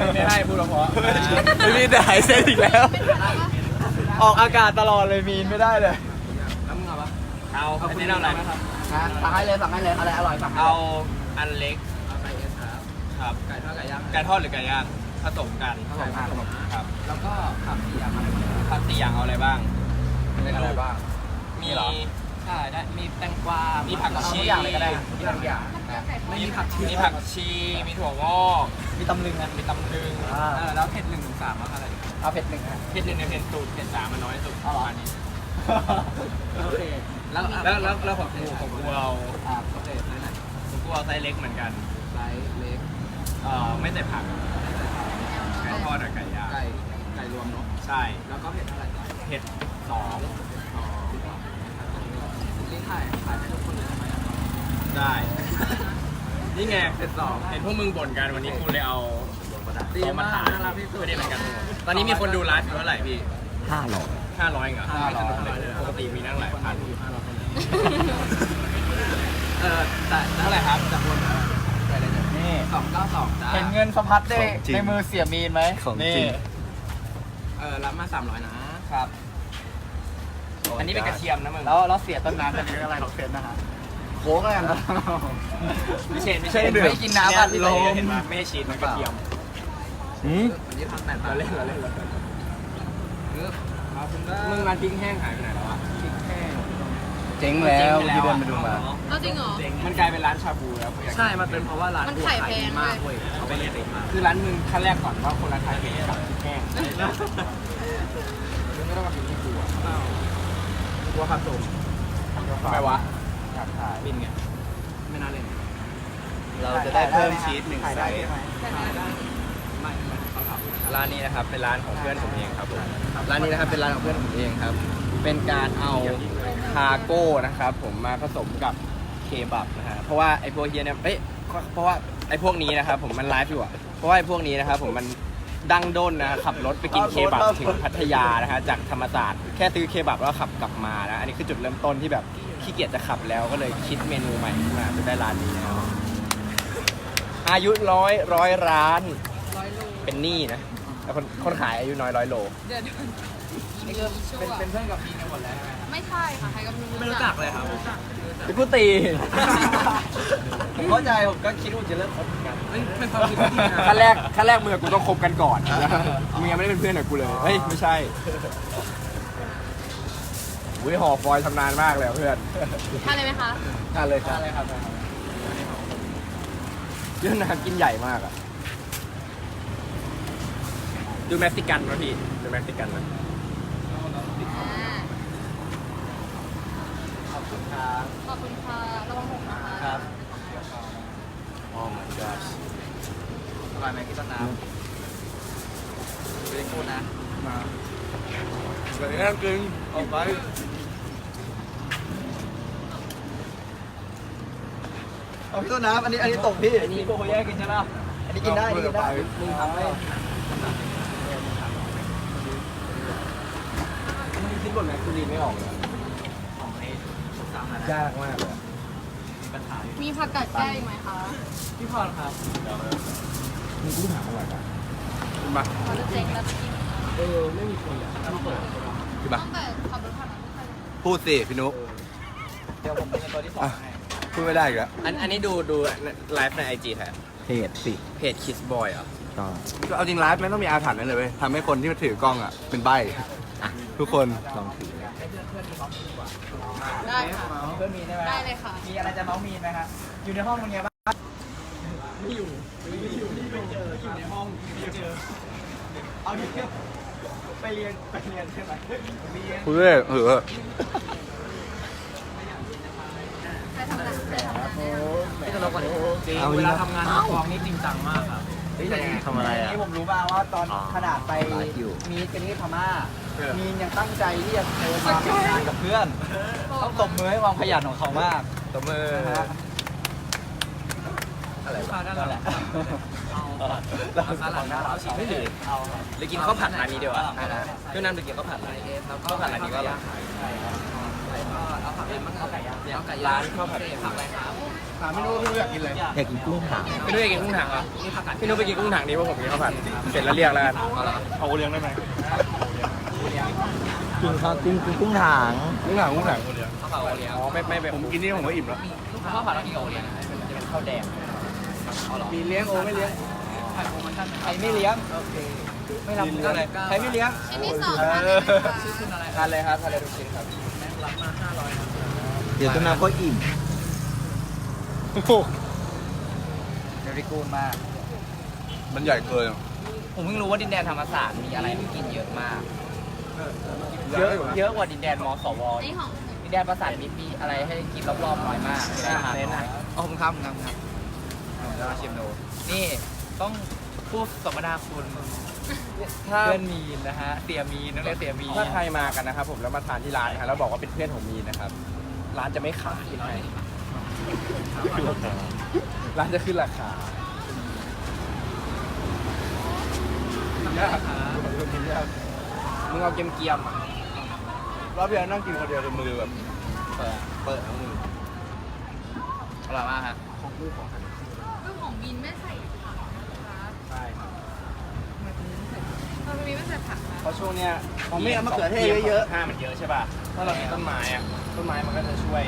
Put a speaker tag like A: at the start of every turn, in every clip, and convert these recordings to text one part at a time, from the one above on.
A: ไม่ให้พูดเพราะ
B: มีแต่หายเส้นอีกแล้ว ออกอากาศตลอดเลยมีนไม่ได้เลย
A: แล้วมึงเอาปะเอาอันนี้เอาอะไรครับ
B: สั่งให้เลยอะไรอร่อยสั่ง
A: เอาอันเล็ก
C: เอาไก่เอสครับ
A: ครับ
C: ไก่ทอดไก่ย่าง
A: ไก่ทอดหรือไก่ย่างผสมกัน
C: ไก่ผสม
A: ครับ
C: แล้วก็ผักสี่อย่างอะไรบ้าง
A: ผัด4อย่างเอาอะไรบ้าง
B: เป็นอะไรบ้าง
A: มี
C: ใช่ได้มีแตงกวา
A: มี
C: มี
A: ผักชี
B: ทุกอย่างเลยก็ได้มีทุกอย่าง
A: มีผักชีมีผักชีมีถั่วงอก
B: มีตำลึงนะ
A: มีตำลึง
C: แล้วเผ็ด1 ถึง 3อะไร
B: เอาเผ็ดหนึ่งฮะ
A: เผ็ด1ในเผ็ดสูตรเผ็ด3มันน้อยสุดประมาณนี้
B: โอเค
A: แล้วของกูเอา
C: โอเคไซส์ไหน
A: ของกูเอาไซส์เล็กเหมือนกัน
C: ไซส์เล็ก
A: ไม่ใส่ผักไก่ทอดกับไก่ย่าง
C: ไก่รวมเนาะ
A: ใช่
C: แล้วก็เผ็ดเท่าไหร่
A: เผ็ด
C: นี่ถ่ายให้ทุกคนเลยทำไม
A: 2ได้ นี่ไงเผ็ด2เห็นพวกมึงบ่นกันวันนี้กูเลยเอา
C: ดี
A: เอามา
C: มาก
A: ถ่าย
C: น่ารักที่สุด
A: ไม่ได้เหมือนกันตอนนี้มีคนดูไลฟ์อยู่เท่าไหร่พี่
B: 500
A: 500เหรอปกติมีนั่งหลายพันแต่เท่าไหร่ครับ
C: จากคนไปเลยเนี่ย
B: นี่
C: 292จ้า
B: เห็นเงินสะพัดได้
D: ของจริง
B: ในมือเสียมีนไหม
D: ของจริ
B: นี่
D: ง
C: รับมา300นะครับ
A: อันนี้เป็นกระเทียมนะมึง
B: แล้วเสียต้นน้ำจะเป็นอะไรหรอกเซนนะฮะโค้กแล้วกัน
A: ไม่ใช่
B: ไม่กินน้ำอ่ะ
A: ลมเห็นไหมไม่ใช่ชีสมันกระเทียม
C: วันนี้ทำแต่
A: เราเล่น
C: ขอบคุณครับ
A: มึงร้านพริกแห้งหายไปไหนแล้วอ่ะ
B: เจ๊งแล้วที่เดินไปดูมา
E: เอาจริงเหรอ
A: มันกลายเป็นร้านชาบูแล้ว
C: ใช่มันเป็นเพราะว่าร้าน
E: มันขายแพง
C: มาก
E: ด้วย
C: เว้ยเขาไปเรียนเองมา
A: คือร้านมึงขั้นแรกก่อนว่าคนร้านขายเป็นกับพริกแห้งมึงไม่ต้องมาพิมพ์ที่กูอ่ะ
C: กลัวผสม
A: ทำไมวะ
B: อยากถ่าย
A: บินไง
C: ไม่น่าเล่น
D: เราจะได้เพิ่มชีส1
B: ถ่าย
D: ไซ
B: ได้
D: ส์
B: ใช่ไหม
C: ไม่เขาถาม
A: ร้านนี้นะครับเป็นร้านของเพื่อนผมเองครับผม
B: ร้านนี้นะครับเป็นร้านของเพื่อนผมเองครับ เป็นการเอาคาโก้นะครับผมมาผสมกับเคบับนะฮะเพราะว่าไอ้พวกเฮียเนี่ยเพราะว่าไอ้พวกนี้นะครับผมมันไลฟ์อยู่อะเพราะว่าไอ้พวกนี้นะครับผมมันดังด้นนะขับรถไปกินเคบับถึงพัทยานะฮะจากธรรมศาสตร์แค่ซื้อเคบับแล้วขับกลับมานะอันนี้คือจุดเริ่มต้นที่แบบขี้เกียจจะขับแล้วก็เลยคิดเมนูใหม่ขึ้นมาจนได้ร้านนี้นะครับอายุร้อยร้านเป็นหนี้นะแล้วคนขายอายุน้อย100 โล
E: เดี๋ยว
C: เป็นเพื่อนกับพีกันหมดแล้ว
E: ไม่ใช่ค่ะ ใครก็
C: ไม่รู้จักเลยครับ
B: เป็นผู้ตี ผมเข้าใจผมก็คิดว่าจะเลิกคบกัน
C: เป็นความคิดที่ดีนะ
A: ขั้นแรกมึงกับกูต้องคบกันก่อนมึงยังไม่ได้เป็นเพื่อนกับกูเลยเฮ้ยไม่ใช่อุ้ยห่อฟอยล์ชำนาญมากเลยเพื่อน
E: ทานเลยไหมคะ
B: ทานเลยครับ
A: เรื่องน้ำกินใหญ่มากอะดูเม็กซิกันนะพี่ดูเม็กซิกันนะ
B: ขอบคุณครับ
E: ขอบคุณค่ะ ระวังหกนะคะ
B: ครับ
A: โอ้ my gosh
C: อร่อยไหมพี่ต้นน้ำเป็นกูนะ
B: มา
A: เดี๋ยวนี้นั่งกินออกไป
B: เอาพี่ต้นน้ำอันนี้ตกพี่อันนี้พวกเขาแยกกินใช่ไหมอันนี้กินได้อันนี้กินได้มึงทำได้มึงคิดบทแม็กซ์ลีนไม่ออกเลย
C: ของไอ้สุดสามนะ
B: ยากมากเลย
C: มีปัญหาอยู่
E: มีผักกาดแก้วอีกไหมคะ
C: พี่พรครับ
B: มึงกูถามอะไรกัน
A: มา
E: เขาจะเจ๊งแล้วจะกิน
C: ไม่มีคนอ่ะต้องเปิด
A: คือมา
E: ตั้งแต่ขับรถผ่านมาไม่เคย
D: พูดสิพี่นุ๊ก
B: เดี๋ยวผมเป็นตัวที่สองให้
D: พูดไม่ได้อีกแล้ว
A: อันนี้ดูไลฟ์ในไอจีแทน
D: เพจสิ
A: เพจคิสบอยเหรอ
D: ก็เอาจริงไลฟ์ไม่ต้องมีอาถรรพ์นั่นเลยเว้ยทำให้คนที่มาถือกล้องอ่ะเป็นใบทุกคนลองถือ
E: ได้ค่ะ
B: เพื่อนมีใช่ไหม
E: ได้เลยค่ะ
B: มีอะไรจะเมาส์มีนไหมครับอยู่ในห้องเป็นไงบ้างอยู่ในห้องไม่เจอเอาเดียวไปเรียนใช่ไหมเรียน
D: พูดเลยเหอะ
E: ใครทำงานใครทำงาน
C: พี่ตลกกว่านี้จริง
D: เอา
C: เว
D: ดี
C: ลา
D: นะ
C: ทำงานกองนี่จริงจังมากครับ
D: ทำอะไรอ่ะ
B: นี่ผมรู้มาว่าตอนขนาดไป
D: ไลฟ์อยู่
B: มีดกันที่พม่ามีนยังตั้งใจที่จะเดินมาทำงานกับเพื่อน ต้องตบมือให้ความขยันของเขามาก
A: ตบมือ
B: นะฮะ
C: อะไรวะนั่นแหละ
B: เรา
C: สลัดน้ำเอาฉีดให้เลย
B: เอา
A: หรือกินข้าวผัดร้านนี้เดียวอะ
C: ได้
A: เพื่อนน้ำหรือกินข้าวผัดร้านนี้ข้าวผัดร้านนี้ก็อร่อย
C: แล้วก็เอาไก่ย่างเอาไก่ย่าง
B: ร้านข้าวผัด
C: ผักอะไรครับ
B: ถามพี่นุ้ยอยากกินอะไร
F: อยากกินกุ้งถัง
B: พี่นุ้ยอยากกินกุ้งถังเหรอ
C: นี่ผักกาด
B: พี่นุ้ยไปกินกุ้งถังนี้เพราะผมกินข้าวผัดเสร็จแล้วเรียกแล้วกัน
D: เอาเลี้ยงได้ไหม
F: กินข้าวกุ้งถัง
D: กุ้งหางกุ้งหาง
C: ข้าวผัดโอเลี้ยง
B: อ๋อไม่แบบ
D: ผมกินนี่ผมก็อิ่มแล้ว
C: ข้าวผัดเรากินกับโอเลี้ยง
B: มันจะเป็นข้าวแดง
C: เอาเหรอ
B: มีเลี้ยงโอไม่เลี้ยง
C: ผัดโอมันท่าน
B: ใครไม่เลี้ยง
C: โอเค
B: ไม่รับอะไรใครไม่เลี้ยง
E: ชิ้นที่สองทานได้ไหมคะ
C: ชื่อคุณอะไร
B: ทานเลยครับทานเลยทุกชิ้นครับ
C: รับมา500ครับ
F: เดี๋ยวต้นน้ำก็อิ่ม
B: เดริกูนมาก
D: มันใหญ่เกิน
B: ผมเพิ่งรู้ว่าดินแดนธรรมศาสตร์มีอะไรให้กินเยอะมาก เยอะกว่าดินแดนมสว
E: นี่ของ
B: ดินแดนประสาทมิตรมีอะไรให้กินรอบๆน้อยมากไม่ได้ทานน้อยอ๋อผมครับผมจะมาชิมดูนี่ต้องพูดสมนาคุณเพื่อนมีนนะฮะเสียมีนต้องเรียกเสียมีนถ้าใครมากันนะครับผมแล้วมาทานที่ร้านนะครับแล้วบอกว่าเป็นเพื่อนของมีนนะครับ ร้านจะไม่ขายให้ร้านจะขึ้นราคามึงเอาเกียมๆอ่ะ
D: รอบที่แล้วนั่งกินคนเดียวจนมือแบบเปิดทั้งมือ
B: อร่อยมากฮะ
E: เรื่องของบินไม่ใส่ผักนะคะ
B: ใช่ครับ
E: ทำไมบินไม่ใส่ผักคะ
B: เพราะช่วงเนี้ย
D: ผมไม่เอามะเขือเทศเยอะ
B: ห้ามันเยอะใช่ป่ะถ้าเรามีต้นไม้อะต้นไม้มันก็จะช่วย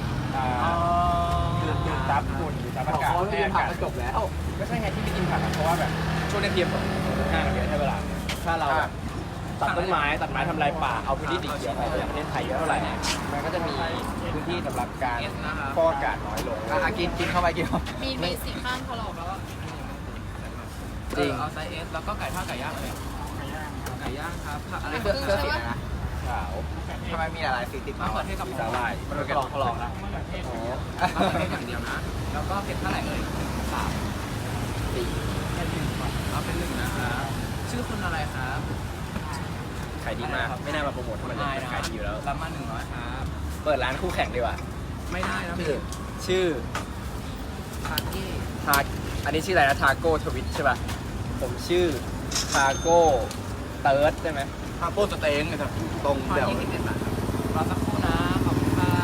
B: ดูดซับฝุ่นดูดซับอากาศให้อากาศจบแล้วก็ใช่ไงที่ไม่กินผักอะเพราะว่าแบบช่วงนี้เทียมห้ามันเยอะใช่เวลาถ้าเราตัดต้นไม้ตัดไม้ทำลายป่าเอาพื้นที่สีเขียวไปอย่างประเทศไทยเยอะเท่าไหร่เนี่ยมันก็จะมีพื้นที่สำหรับการฟอกอากาศน้อยลงกินเข้าไปกินเข้า
E: มีสีข้างถลอกแล้วอะ
B: จริง
C: เอาไซส์ S แล้วก็ไก่ทอดไก่ย่างเลยไก่ย่างครับผักอะไร
B: เสื้อสีอะไรนะขาวทำไมมีหลายสีติด
C: มะ
B: มา
C: เขือเทศกับ
B: สาหร่ายมันก็ลองนะ
C: มะเขือเทศอย่างเดียวนะ แล้วก็เผ็ดเท่าไหร่เอ่ย3 4เอาเป็น1นะครับชื่อคุณอะไรครับ
B: ขายดีมากไม่น่ามาโปรโมทมันขายดีอยู่แล้ว
C: รับมา100ครับ
B: เปิดร้านคู่แข่งดีกว่า
C: ไม่ได้นะ
B: ชื่อ
C: คาเก้
B: ทาอันนี้ชื่ออะไรนะทาโก้ทวิตใช่ป่ะผมชื่อทาโก้เติร์ดใช่ไหม
D: ๆข้าวโพดสเต็งนะครับตรง
C: ทอด
D: เดี๋ยว
C: 21 บาทครับรอสักครู่นะขอบคุณครับ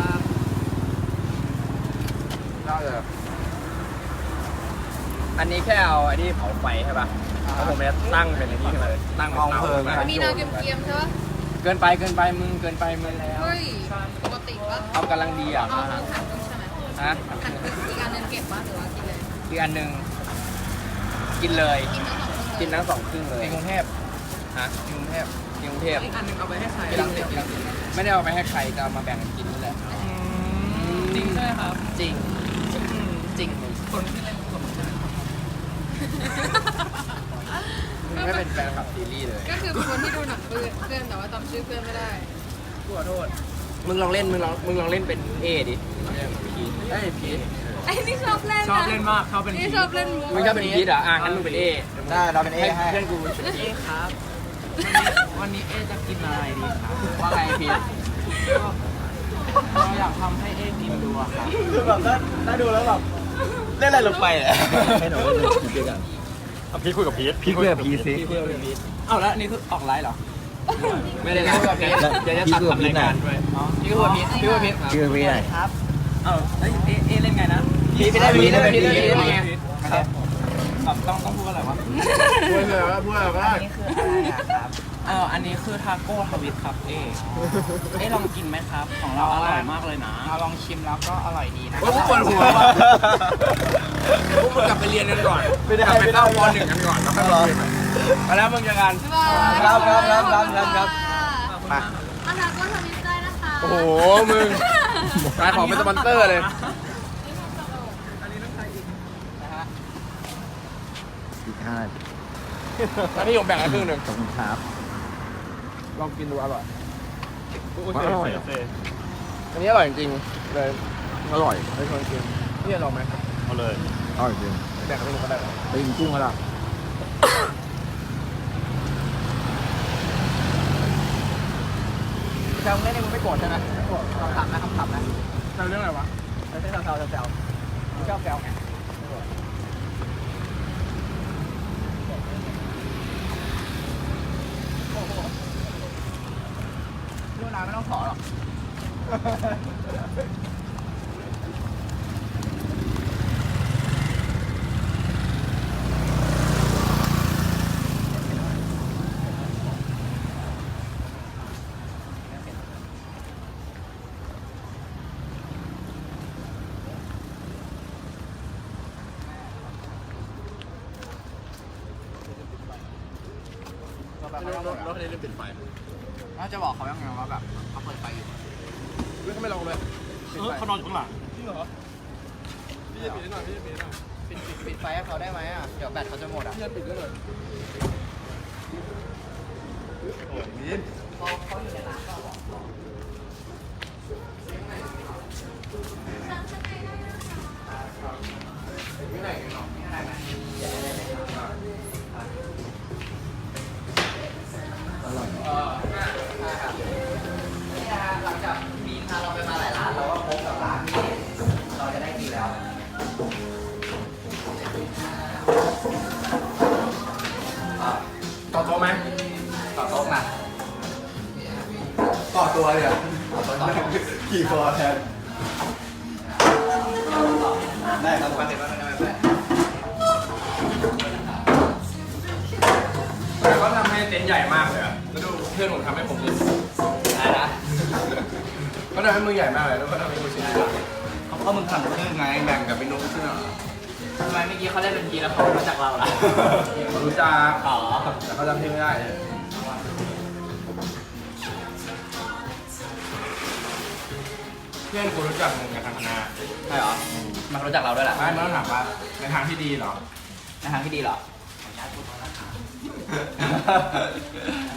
D: น่าจะ
B: อันนี้แค่เอาอันนี้เผาไฟใช่ป่ะแล้วผมจะตั้งเป็นอันนี้ขึ้นมาเลยตั้งเป็นเตา
E: มีนาเกรียมๆใช่ปะ
B: เกินไปมึงเกินไปมึงแล้ว
E: เฮ้ยปกติปะ
B: เอากำลังดีอ่ะ
E: เอาหั่นครึ่งใช่ไหม
B: ฮะ
E: หั่นครึ่งอีกอันหนึงเก็บปะหรือว่ากินเลย
B: อีกอันหนึ่งกินเลย
E: กินทั้งสองครึ่งเลย
B: กินทั้งสองครึ่งเลยกรุงเทพฮะกรุงเทพกรุงเทพ
C: อีกอันหนึงเอาไปให้ใคร
B: ไม่ได้เอาไปให้ใครจะเอามาแบ่งกันกินนี่แหละ
C: จริงใช่ไหมครับ
B: จริงจริง
C: คนที่เล่นกับผมใช่ไหม
B: มึงไม่เป็นแฟนคลับซีรีส์เลย
E: ก็คือเป็นคนที่ดูหนังเพื่อนแต่ว่าจำชื่อเพื่อนไม่ได้
B: ขอโทษมึงลองเล่นมึงลองเล่นเป็นเอดิพีทเอ้ยพีท
E: ไอ้นี่ชอบเล่น
C: ชอบเล่นมากชอบเป็น
E: นี่ชอบเล่นมุก
B: มึงชอบเป็นพีทเหรองั้นมึงเป็นเอ
F: ได้เราเป็นเอให้
B: เพื่อนกูเป็น
C: เอครับ วันนี้เอจะกินอะไรดีครับ
B: ว่าไงพีท
C: เราอยากทำให้เอกินดูอะครับ
B: คือแบบถ้าดูแล้วแบบเล่นอะไรลงไปเลย
F: ให้หนูเล่นพีกัน
D: พี่คุยกับพีท
F: พี่คุยกับพีสิ
C: เอาแล้วนี่คือออกไลฟ์เหรอ
B: ไม่ได้เล่นกับพีทเดี๋ยวจะตัดทำรายการด้วยพี่ว่าพีทพี่ว่าพีท
F: ชื่อพีไหน
C: ครับเอาเอเล่นไงนะ
B: พีทไม่ได้พีทไม่ได้พีทไม่ได้พีท
C: ครับต้องพูดอะไรวะ
D: พูดเลยว่าพูดอะไรว่า
C: อันนี้คืออะไรอะครับอันนี้คือทาโก้ทวิตครับเอลองกินไหมครับ ของเราอร่อยมากเลยนะลองชิมแล้วก็อร่อยดีนะ
B: ว่าพวกปวดหัวว่ะพวกมึงกลับไปเรียนกันก่อนกลับไปเข้าป .1 กันก่อนแล้วค่อยมาคุยกันมาแล้วมึงเจอกัน
E: บ๊ายบาย
B: ครับ
E: มาอาหารก็ทำมิสได้นะคะ
B: โอ้โหมึงขายของเป็นสปอนเซอร์เลย
F: อีก5 นาที
B: แล้วพี่ผมแบ่งให้ครึ่งหนึ่ง
F: ขอบคุณครับ
B: ลองกินดูอร่อย
D: อร่อย
B: อันนี้อร่อยจริงๆเลย
F: อร่อย
B: ไม่ชวนกินพี่จะลองไหม
D: เอาเลย
F: อร่อยจริง
B: แบ่งให้มึงก็ได้หรอ
F: ไปกินกุ้งกันละ
B: แซวเล่นนี่มึงไม่โกรธใช่ไหมไม่โกรธคำถามนะแซวเรื่องอะไรวะไม่ใช่แซวมึงชอบแซวไงเรื่องราวไม่ต้องขอหรอกรถคันนี้ลืมปิดไฟ
C: น่าจะบอกเขายังไงว่าแบบเขาเปิดไฟอยู่
B: เฮ้ยเขาไม่ลงเลย
A: เขานอนอยู่ข้างหลัง
B: จริงเหรอพี่จะปิดหน่อยพี่จะปิดหน่อย
C: ปิดไฟให้เขาได้ไหมอ่ะ เดี๋ยวแบตเขาจะหมดอ่ะ
B: พี่จะปิดด้วยหน่อยโอ้ยมิน
C: เขาอยู่ในร้านก็บอก
B: ไม่ไหนกันหรอ
C: นี่นะฮะหลังจากมีพาเราไปมาหลายร้านเราก็พบกับร้านที่เราจะได้กินแล้ว
B: ต่อโต๊ะไหม
C: ต่อโต๊ะมา
D: ต่อตัวเลยอ่ะ
C: ต่อโต๊ะ
D: ขี่คอแทน ได้ครับ
C: มาเสร็จแล้วนะแม่
B: แต่เขาทำให้เต็นท์ใหญ่มากเลยอ่ะแล้วดูเพื่อนผมทำให้ผมดู
C: ได้นะ
B: เขาทำให้มือใหญ่มากเลยแล้วก็ทำให้มือชิ้นใหญ่
D: เขามึงทำครึ่งไงแบ่งกับเป็นนุ๊กใช่ไหม
C: ทำไมเมื่อกี้เขาได้เป็นทีแล้วเขารู้จักเราล่ะ
B: รู้จัก
C: อ๋อ
B: แต่เขาจำชื่อไม่ได้เลยเพื่อนกูรู้จักมึงกับทางคณะ
C: ใช่เหรอมันรู้จักเราด้วยล่ะ
B: ไม่มันต้องถามว่าในทางที่ดีเหรอ
C: ในทางที่ดีเหรอ